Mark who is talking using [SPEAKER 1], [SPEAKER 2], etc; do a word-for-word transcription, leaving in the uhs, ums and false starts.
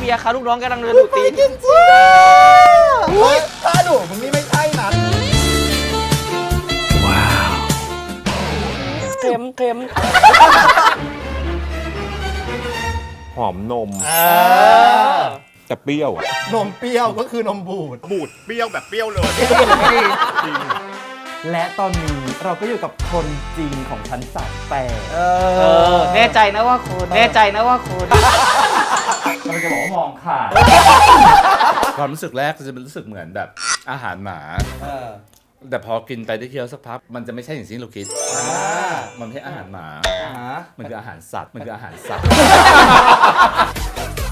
[SPEAKER 1] เบียร์ค่ะลูกน้องกำลังเดินดูตีน
[SPEAKER 2] จริงจริงเฮ้ยถ้าดุมึงนี่ไม่ใช่นะว้าว
[SPEAKER 1] เค็มเค็ม
[SPEAKER 3] หอมนม
[SPEAKER 2] เออ
[SPEAKER 3] แต่เปรี้ยวอะ
[SPEAKER 2] นมเปรี้ยวก็คือนมบูด
[SPEAKER 4] บูดเปรี้ยวแบบเปรี้ยวเลย จริง
[SPEAKER 5] และตอนนี้เราก็อยู่กับคนจริงของชั้นสามแปด
[SPEAKER 2] เอ
[SPEAKER 1] เออแน่ใจนะว่าคุณแน่ใจนะว่าคุณ
[SPEAKER 5] เราจะบอกว่ามองขาด
[SPEAKER 3] ความรู้สึกแรกจะเป็นรู้สึกเหมือนแบบอาหารหมา
[SPEAKER 2] เออ
[SPEAKER 3] แต่พอกินไปได้เคี้ยวสักพักมันจะไม่ใช่อย่างที่เราคิด
[SPEAKER 2] อ่า
[SPEAKER 3] มันไม่ใช่อาหารหมา
[SPEAKER 2] อ่า
[SPEAKER 3] มันคืออาหารสัตว์ มันคืออาหารสัตว์